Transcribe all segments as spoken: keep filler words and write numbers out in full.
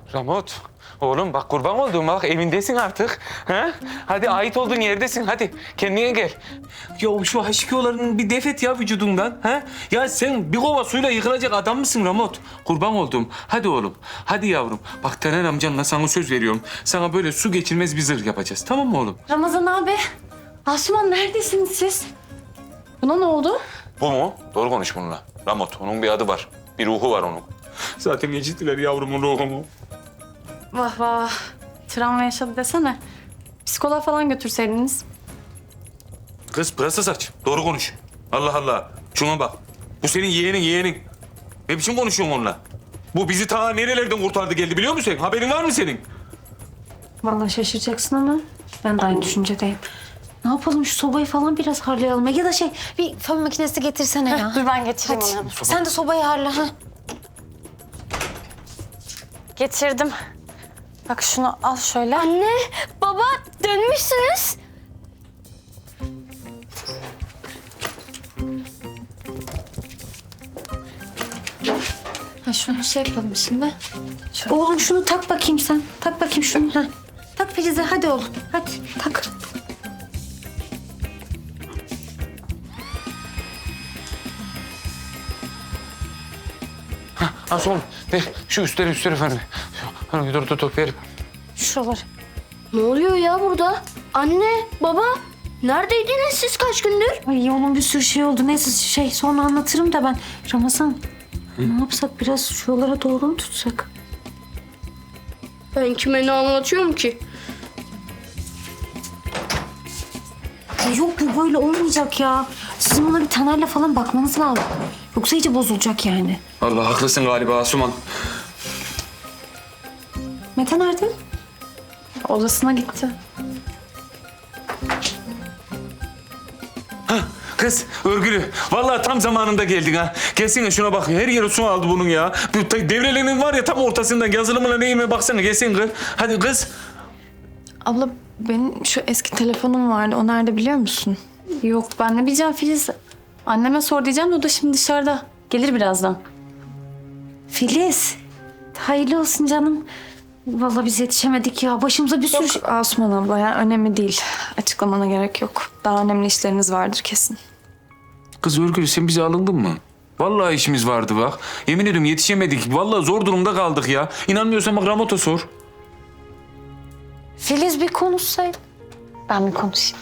Ramot, oğlum bak kurban olduğum bak evindesin artık. Ha? Hadi ait olduğun yerdesin hadi kendine gel. Ya şu H iki O'ların bir defet ya vücudundan. Ha? Ya sen bir kova suyla yıkılacak adam mısın Ramot? Kurban olduğum. Hadi oğlum, hadi yavrum. Bak Taner amcanla sana söz veriyorum. Sana böyle su geçirmez bir zırh yapacağız. Tamam mı oğlum? Ramazan abi, Asuman neredesiniz siz? Buna ne oldu? Bu mu? Doğru konuş bununla. Ramot, onun bir adı var. Bir ruhu var onun. Zaten geçittiler yavrumun ruhumu. Vah vah, travma yaşadı desene. Psikoloğa falan götürseydiniz. Kız pırasa saç. Doğru konuş. Allah Allah. Şuna bak. Bu senin yeğenin yeğenin. Ne biçim konuşuyorsun onunla? Bu bizi ta nerelerden kurtardı geldi biliyor musun sen? Haberin var mı senin? Vallahi şaşıracaksın ama ben de aynı düşüncedeyim. Ne yapalım şu sobayı falan biraz harlayalım. Ya da şey bir fön makinesi getirsene ya. Dur ben getireyim Hadi. onu. Sen de sobayı harla. Ha. Getirdim. Bak şunu al şöyle. Anne, baba dönmüşsünüz. Ha şunu şey yapalım şimdi. Şu- Oğlum şunu tak bakayım sen. Tak bakayım şunu. Ha. Tak Filiz'e hadi oğlum. Hadi tak. Ha son. Ver şu üstleri üstleri efendim. Hani dur dur dur ver. Şuraları. Ne oluyor ya burada? Anne, baba, neredeydiniz siz kaç gündür? Ay onun bir sürü şey oldu. Neyse şey sonra anlatırım da ben. Ramazan ne yapsak biraz şuralara doğru mu tutsak? Ben kime ne anlatıyorum ki? Ay yok bu böyle olmayacak ya. Sizin buna bir Taner'le falan bakmanız lazım. Yoksa iyice bozulacak yani. Allah haklısın galiba Asuman. Mete nerede? Odasına gitti. Kız örgülü. Vallahi tam zamanında geldin ha. Gelsene şuna bak. Her yeri su aldı bunun ya. Bu ta- devrelerinin var ya tam ortasından. Yazılımına neyime baksana. Gelsene kız. Hadi kız. Abla benim şu eski telefonum vardı. O nerede biliyor musun? Yok ben ne bileceğim Filiz. Anneme sor diyeceğim de o da şimdi dışarıda. Gelir birazdan. Filiz. Hayırlı olsun canım. Vallahi biz yetişemedik ya. Başımıza bir sürü... şey- Yok Asuman abla ya önemli değil. Açıklamana gerek yok. Daha önemli işleriniz vardır kesin. Kız örgülü sen bize alındın mı? Vallahi işimiz vardı bak. Yemin ediyorum yetişemedik. Vallahi zor durumda kaldık ya. İnanmıyorsan bak Ramot'a sor. Filiz bir konuşsaydı. Ben bir konuşayım.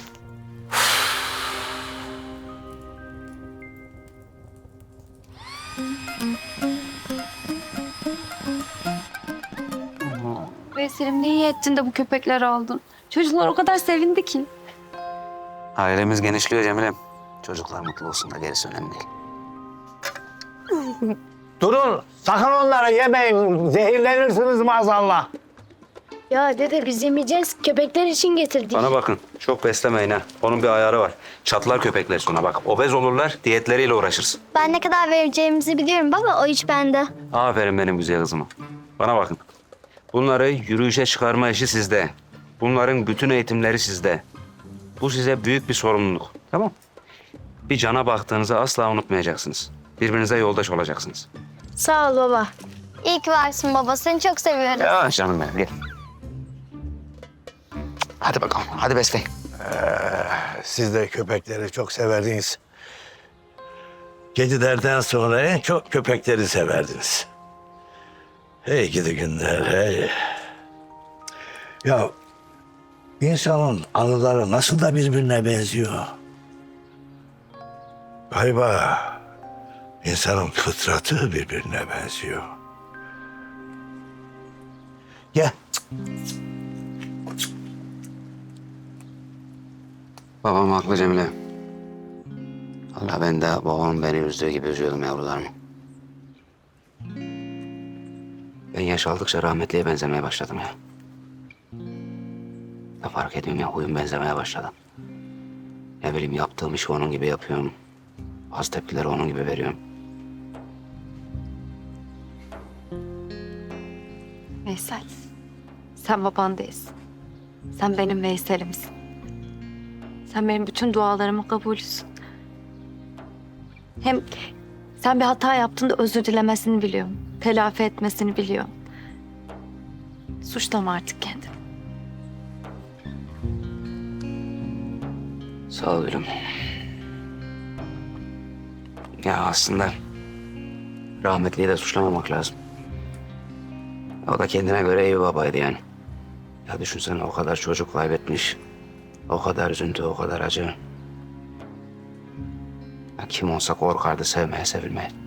Veysel'im ne iyi ettin de bu köpekleri aldın. Çocuklar o kadar sevindi ki. Ailemiz genişliyor Cemilem. Çocuklar mutlu olsun da gerisi önemli değil. Durun, sakın onları yemeyin. Zehirlenirsiniz maazallah. Ya dede biz yemeyeceğiz. Köpekler için getirdik. Bana bakın, çok beslemeyin ha. Onun bir ayarı var. Çatlar köpekler sonra bak. Obez olurlar, diyetleriyle uğraşırsın. Ben ne kadar vereceğimizi biliyorum baba. O iş bende. Aferin benim güzel kızıma. Bana bakın. Bunları yürüyüşe çıkarma işi sizde. Bunların bütün eğitimleri sizde. Bu size büyük bir sorumluluk. Tamam. Bir cana baktığınızı asla unutmayacaksınız. Birbirinize yoldaş olacaksınız. Sağ ol baba. İyi ki varsın baba. Seni çok seviyorum. Ya canım benim gel. Hadi bakalım. Hadi besleyin. Siz de köpekleri çok severdiniz. Kedilerden sonra en çok köpekleri severdiniz. Hey gidi günler, hey. Ya insanın anıları nasıl da birbirine benziyor. Galiba insanın fıtratı birbirine benziyor. Gel. Babam haklı Cemile. Allah ben de babam beni üzdüğü gibi üzüyordum yavrularımı. Ben yaş aldıkça rahmetliye benzemeye başladım ya. Ne fark ediyorum ya huyum benzemeye başladı. Ne bileyim yaptığım işi onun gibi yapıyorum. Az tepkileri onun gibi veriyorum. Veysel, sen baban değilsin. Sen benim Veysel'imsin. Sen benim bütün dualarımın kabulüsün. Hem sen bir hata yaptığında özür dilemesini biliyorum. Telafi etmesini biliyorum. Suçlama artık kendini. Sağ ol gülüm. Ya aslında rahmetliyi de suçlamamak lazım. O da kendine göre iyi babaydı yani. Ya düşünsene o kadar çocuk kaybetmiş. O kadar üzüntü, o kadar acı. Ya kim olsa korkardı sevmeye, sevilmeye.